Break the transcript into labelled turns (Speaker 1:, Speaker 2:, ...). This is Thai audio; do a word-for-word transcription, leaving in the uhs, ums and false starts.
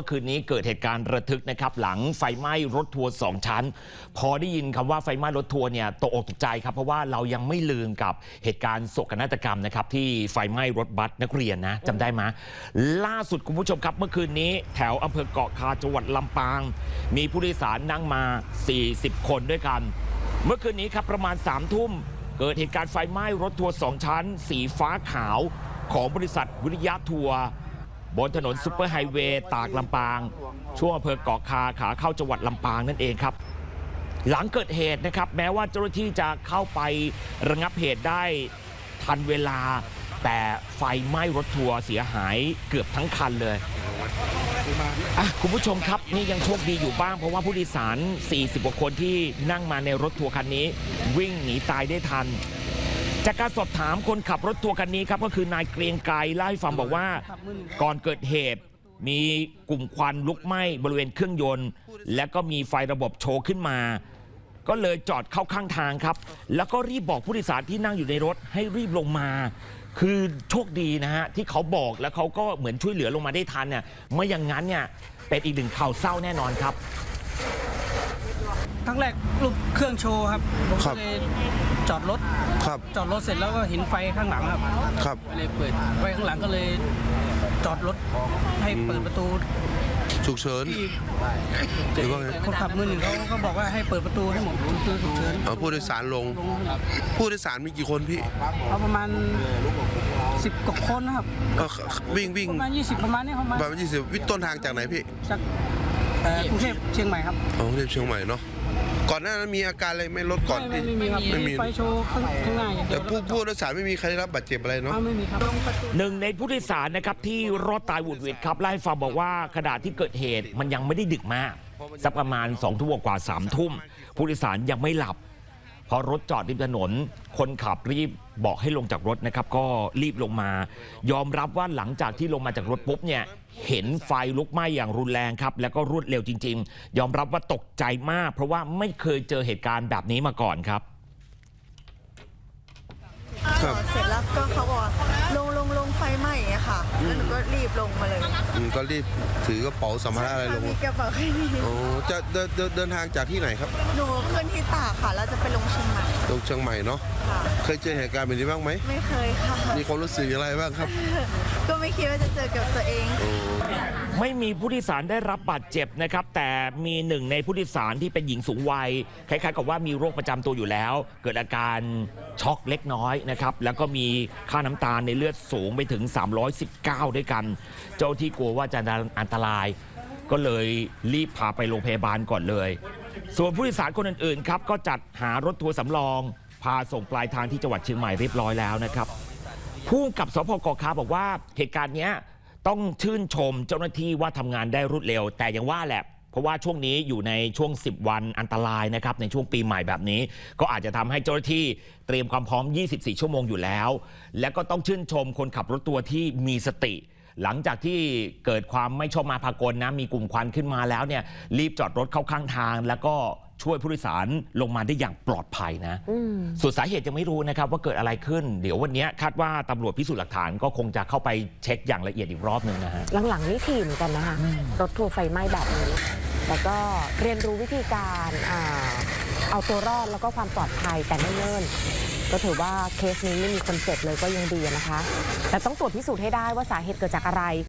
Speaker 1: คืนนี้เกิดเหตุการณ์ระทึกนะครับหลังไฟไหม้รถทัวร์สองชั้นพอได้ยินคำว่าไฟไหม้รถทัวร์เนี่ยตกอกตกใจครับเพราะว่าเรายังไม่ลืมกับเหตุการณ์โศกนาฏกรรมนะครับที่ไฟไหม้รถบัสนักเรียนนะจำได้ไหมล่าสุดคุณผู้ชมครับเมื่อคืนนี้แถวอำเภอเกาะคาจังหวัดลำปางมีผู้โดยสารนั่งมาสี่สิบคนด้วยกันเมื่อคืนนี้ครับประมาณสามทุ่มเกิดเหตุการณ์ไฟไหม้รถทัวร์สองชั้นสีฟ้าขาวของบริษัทวิริยะทัวร์บนถนนซุปเปอร์ไฮเวย์ตากลำปางช่วงอำเภอเกาะคาขาเข้าจังหวัดลำปางนั่นเองครับหลังเกิดเหตุนะครับแม้ว่าเจ้าหน้าที่จะเข้าไประงับเหตุได้ทันเวลาแต่ไฟไหม้รถทัวร์เสียหายเกือบทั้งคันเลยอ่ะคุณผู้ชมครับนี่ยังโชคดีอยู่บ้างเพราะว่าผู้โดยสารสี่สิบกว่าคนที่นั่งมาในรถทัวร์คันนี้วิ่งหนีตายได้ทันจากการสอบถามคนขับรถทัวร์คันนี้ครับก็คือนายเกรียงไกรเล่าให้ฟังบอกว่าก่อนเกิดเหตุมีกลุ่มควันลุกไหม้บริเวณเครื่องยนต์และก็มีไฟระบบโชว์ขึ้นมาก็เลยจอดเข้าข้างทางครับแล้วก็รีบบอกผู้โดยสารที่นั่งอยู่ในรถให้รีบลงมาคือโชคดีนะฮะที่เขาบอกแล้วเขาก็เหมือนช่วยเหลือลงมาได้ทันเนี่ยไม่อย่างนั้นเนี่ยเป็นอีกหนึ่งข่าวเศร้าแน่นอนครับ
Speaker 2: ครั้งแรกรูปเครื่องโชว์ครับผมก็เลยจอดรถครับจอดรถเสร็จแล้วก็เห็นไฟข้างหลังครับครับเลยเปิดไฟข้างหลังก็เลยจอดรถให้เปิดประตู
Speaker 3: ฉุกเฉินหรือว่าไง
Speaker 2: คนขับมือหนึ่งเขาก็บอกว่าให้เปิดประตูให้หมดประตูฉุกเฉิน
Speaker 3: เอาผู้โดยสารลงผู้โดยสารมีกี่คนพี่
Speaker 2: เอาประมาณสิบกว่าคนนะครับ
Speaker 3: วิ่งวิ่ง
Speaker 2: ประมาณยี่สิบประมาณนี้ประมาณ
Speaker 3: ประมาณยี่สิบวิ่งต้นทางจากไหนพี่
Speaker 2: จากกรุงเทพเชียงใหม่ครับ
Speaker 3: อ๋อกรุงเทพเชียงใหม่เนาะก่อนหน้านั้นมีอาการอะไรไม่ลดก่อน
Speaker 2: ไม่มีครับไม่มีไฟโชว์ข้างหน้า
Speaker 3: แต่ผู้ผู้โดยสารไม่มีใครได้รับบาดเจ็บอะไรเนาะ
Speaker 2: ไม่มีครับ
Speaker 1: หนึ่งในผู้โดยสารนะครับที่รอดตายหวุดหวิดครับไล่ฟังบอกว่าขณะที่เกิดเหตุมันยังไม่ได้ดึกมากสักประมาณสองทุ่มกว่าสามทุ่มผู้โดยสารยังไม่หลับพอรถจอดริมถนนคนขับรีบบอกให้ลงจากรถนะครับก็รีบลงมายอมรับว่าหลังจากที่ลงมาจากรถปุ๊บเนี่ยเห็นไฟลุกไหม้อย่างรุนแรงครับแล้วก็รวดเร็วจริงๆยอมรับว่าตกใจมากเพราะว่าไม่เคยเจอเหตุการณ์แบบนี้มาก่อนครับ
Speaker 4: เสร็จแล้วก็เขาบอกลงลงลงไฟไหม้อะค่ะแล้วหนูก็รีบลงมาเลย
Speaker 3: ก็รีบถือกระเป๋าสัมภาระอะไรลง
Speaker 4: มีกระเป๋าแค่นี้
Speaker 3: โอ้จะเดินเดินทางจากที่ไหนครับ
Speaker 4: หนูขึ้นที่ตากค่ะแล้วจะไปลงเชียงใหม่
Speaker 3: ลงเชียงใหม่เนาะเคยเจอเหตุการณ์แบบนี้บ้างไหม
Speaker 4: ไม่เคยค่ะ
Speaker 3: มีความรู้สึกอะไรบ้างครับ
Speaker 4: ก็ไม่คิดว่าจะเจอกับตัวเอง
Speaker 1: ไม่มีผู้โดยสารได้รับบาดเจ็บนะครับแต่มีหนึ่งในผู้โดยสารที่เป็นหญิงสูงวัยคล้ายๆกับว่ามีโรคประจำตัวอยู่แล้วเกิดอาการช็อกเล็กน้อยนะครับแล้วก็มีค่าน้ำตาลในเลือดสูงไปถึงสามร้อยสิบเก้าด้วยกันเจ้าที่กลัวว่าจะอันตรายก็เลยรีบพาไปโรงพยาบาลก่อนเลยส่วนผู้โดยสารคนอื่นๆครับก็จัดหารถทัวร์สำรองพาส่งปลายทางที่จังหวัดเชียงใหม่เรียบร้อยแล้วนะครับผู้กำกับสพเกาะคาบอกว่าเหตุการณ์นี้ต้องชื่นชมเจ้าหน้าที่ว่าทำงานได้รวดเร็วแต่ยังว่าแหละเพราะว่าช่วงนี้อยู่ในช่วงสิบวันอันตรายนะครับในช่วงปีใหม่แบบนี้ก็อาจจะทำให้เจ้าหน้าที่เตรียมความพร้อมยี่สิบสี่ชั่วโมงอยู่แล้วและก็ต้องชื่นชมคนขับรถทัวร์ที่มีสติหลังจากที่เกิดความไม่ชอบมาพากลนะมีกลุ่มควันขึ้นมาแล้วเนี่ยรีบจอดรถเข้าข้างทางแล้วก็ช่วยผู้โดยสารลงมาได้อย่างปลอดภัยนะส่วนสาเหตุยังไม่รู้นะครับว่าเกิดอะไรขึ้นเดี๋ยววันนี้คาดว่าตำรวจพิสูจน์หลักฐานก็คงจะเข้าไปเช็คอย่างละเอียดอีกรอบหนึ่งนะฮะ
Speaker 5: หลังๆนี่ถี่เหมือนกันนะคะรถทัวร์ไฟไหม้แบบนี้แต่ก็เรียนรู้วิธีการเอาตัวรอดแล้วก็ความปลอดภัยแต่ไม่เนิ่นก็ถือว่าเคสนี้ไม่มีคนเจ็บเลยก็ยังดีนะคะแต่ต้องตรวจพิสูจน์ให้ได้ว่าสาเหตุเกิดจากอะไร